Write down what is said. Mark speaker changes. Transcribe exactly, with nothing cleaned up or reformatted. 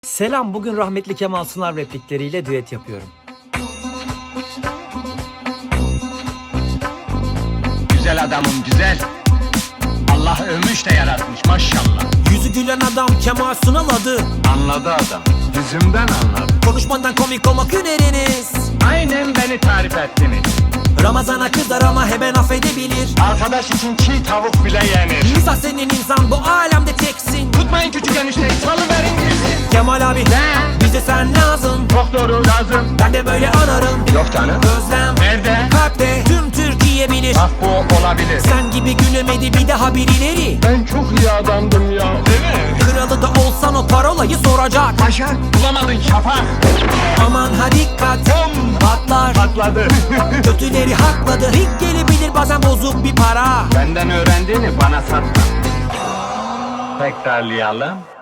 Speaker 1: Selam, bugün rahmetli Kemal Sunal replikleriyle düet yapıyorum.
Speaker 2: Güzel adamım güzel. Allah övmüş de yaratmış maşallah.
Speaker 1: Yüzü gülen adam Kemal Sunal adı.
Speaker 2: Anladı adam. Yüzümden anladı.
Speaker 1: Konuşmadan komik olmak hüneriniz.
Speaker 2: Aynen beni tarif ettiniz.
Speaker 1: Ramazana kızar ama hemen affedebilir.
Speaker 2: Arkadaş için çiğ tavuk bile yenir.
Speaker 1: İnsan senin insan, bu alemde teksin.
Speaker 2: Tutmayın küçük enişteyi, salıverin gitsin.
Speaker 1: Kemal abi,
Speaker 2: Ne?
Speaker 1: bize sen lazım.
Speaker 2: Çok doğru lazım.
Speaker 1: Ben de böyle anarım.
Speaker 2: Yok canım.
Speaker 1: Özlem
Speaker 2: Nerede?
Speaker 1: kalpte, tüm Türkiye bilir.
Speaker 2: Bak bu olabilir.
Speaker 1: Sen gibi gülemedi bir daha birileri.
Speaker 2: Ben çok iyi adamdım ya. Değil mi?
Speaker 1: Kralı da olsan o parolayı soracak.
Speaker 2: Başak bulamadın şafak.
Speaker 1: Aman ha dikkat,
Speaker 2: Bom!
Speaker 1: patlar.
Speaker 2: Patladı.
Speaker 1: Kötüleri hakladı. Rik gelebilir bazen bozuk bir para.
Speaker 2: Benden öğrendiğini bana satma. Tekrarlayalım.